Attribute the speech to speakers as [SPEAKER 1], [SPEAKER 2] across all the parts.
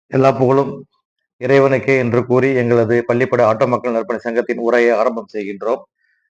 [SPEAKER 1] எல்லா புகழும் இறைவனுக்கே என்று கூறி எங்களது பள்ளிப்படை ஆட்டோ மக்கள் நற்பணி சங்கத்தின் உரையை ஆரம்பம் செய்கின்றோம்.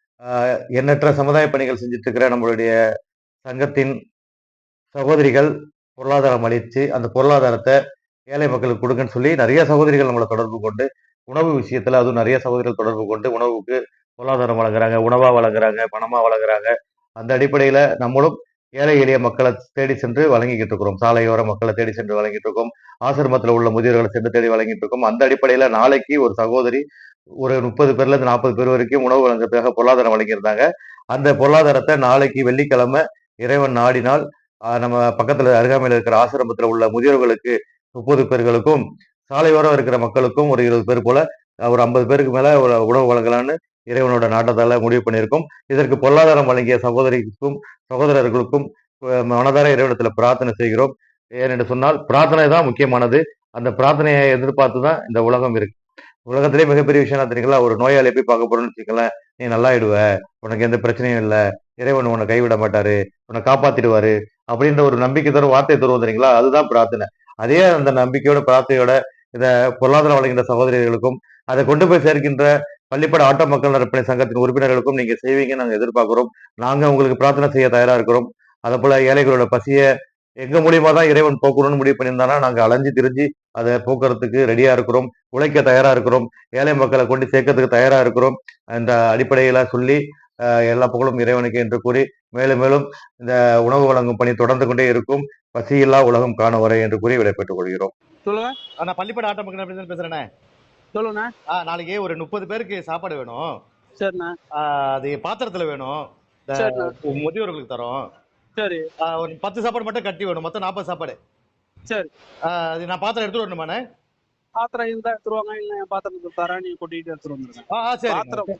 [SPEAKER 1] எண்ணற்ற சமுதாய பணிகள் செஞ்சுட்டு இருக்கிற நம்மளுடைய சங்கத்தின் சகோதரிகள் பொருளாதாரம் அளிச்சு அந்த பொருளாதாரத்தை ஏழை மக்களுக்கு கொடுங்கன்னு சொல்லி நிறைய சகோதரிகள் நம்மளை தொடர்பு கொண்டு உணவு விஷயத்துல அதுவும் நிறைய சகோதரிகள் தொடர்பு கொண்டு உணவுக்கு பொருளாதாரம் வழங்குறாங்க, உணவா வழங்குறாங்க, பணமா வழங்குறாங்க. அந்த அடிப்படையில நம்மளும் ஏழை எளிய மக்களை தேடி சென்று வழங்கிக்கிட்டு இருக்கிறோம். சாலையோர மக்களை தேடி சென்று வழங்கிட்டு இருக்கோம். ஆசிரமத்தில் உள்ள முதியோர்களை சென்று தேடி வழங்கிட்டு இருக்கோம். அந்த அடிப்படையில நாளைக்கு ஒரு சகோதரி ஒரு 30 பேர்ல இருந்து 40 பேர் வரைக்கும் உணவு வழங்குறதுக்காக பொருளாதாரம் வழங்கியிருந்தாங்க. அந்த பொருளாதாரத்தை நாளைக்கு வெள்ளிக்கிழமை இறைவன் நாடினால் நம்ம பக்கத்துல அருகாமையில் இருக்கிற ஆசிரமத்தில் உள்ள முதியோர்களுக்கு 30 பேர்களுக்கும், சாலையோரம் இருக்கிற மக்களுக்கும் ஒரு 20 பேர் போல ஒரு 50 பேருக்கு மேல ஒரு உணவு வழங்கலான்னு இறைவனோட நாட்டத்தால முடிவு பண்ணியிருக்கோம். இதற்கு பொருளாதாரம் வழங்கிய சகோதரிக்கும் சகோதரர்களுக்கும் மனதார இறைவனத்துல பிரார்த்தனை செய்கிறோம். ஏனென்று சொன்னால் பிரார்த்தனை தான் முக்கியமானது. அந்த பிரார்த்தனையை எதிர்பார்த்து தான் இந்த உலகம் இருக்கு. உலகத்திலே மிகப்பெரிய விஷயம் என்ன தெரியுங்களா? ஒரு நோயாளியை போய் பார்க்க போறோம்னு வச்சுக்கோங்களேன், நீ நல்லாயிடுவ, உனக்கு எந்த பிரச்சனையும் இல்ல, இறைவன் உன்னை கைவிட மாட்டாரு, உன்னை காப்பாத்திடுவாரு அப்படின்ற ஒரு நம்பிக்கை தரும் வார்த்தை தருவோம் தெரியுங்களா? அதுதான் பிரார்த்தனை. அதே அந்த நம்பிக்கையோட பிரார்த்தையோட இத பொருளாதாரம் வழங்குகின்ற சகோதரிகளுக்கும் அதை கொண்டு போய் சேர்க்கின்ற பள்ளிப்பட ஆட்டோ மக்கள் நற்பணி சங்கத்தின் உறுப்பினர்களுக்கும் நீங்க செய்வீங்கன்னு நாங்க எதிர்பார்க்கிறோம். நாங்க உங்களுக்கு பிரார்த்தனை செய்ய தயாரா இருக்கிறோம். அதே போல ஏழைகளோட பசிய எங்க மூலியமா தான் இறைவன் போக்கணும்னு முடிவு பண்ணியிருந்தானா நாங்க அலைஞ்சு திரிஞ்சு அதை போக்குறதுக்கு ரெடியா இருக்கிறோம். உழைக்க தயாரா இருக்கிறோம். ஏழை மக்களை கொண்டு சேர்க்கறதுக்கு தயாரா இருக்கிறோம். அந்த அடிப்படையில சொல்லி எல்லா புகழும் இறைவனுக்கு என்று கூறி மேலும் மேலும் இந்த உணவு வழங்கும் பணி தொடர்ந்து கொண்டே இருக்கும். பசியில்லா உலகம் காண வரை என்று கூறி விடைபெற்றுக் கொள்கிறோம்.
[SPEAKER 2] சொல்லுங்க.
[SPEAKER 3] நான் பள்ளிப்பட ஆட்டோ மக்கள் நற்பணி பேசுறேனே.
[SPEAKER 2] சொல்லுண்ணா.
[SPEAKER 3] நாளைக்கு ஒரு 30 பேருக்கு சாப்பாடு வேணும்.
[SPEAKER 2] சரிண்ணா.
[SPEAKER 3] அது பாத்திரத்துல வேணும்.
[SPEAKER 2] சரிண்ணா.
[SPEAKER 3] முதியோர்களுக்கு தரோம்.
[SPEAKER 2] சரி.
[SPEAKER 3] ஒரு 10 சாப்பாடு மட்டும் கட்டி வேணும். மொத்தம் 40 சாப்பாடு.
[SPEAKER 2] சரி.
[SPEAKER 3] அது நான் பாத்திரம் எடுத்துட்டு வரணுமாண்ணே?
[SPEAKER 2] பாத்திரம் இருந்தா எடுத்துருவாங்க, இல்ல என் பாத்திரத்துக்கு தரேன், நீங்க கொட்டிட்டு எடுத்துட்டு வந்துருங்க.
[SPEAKER 3] சரி.
[SPEAKER 2] பாத்திரம்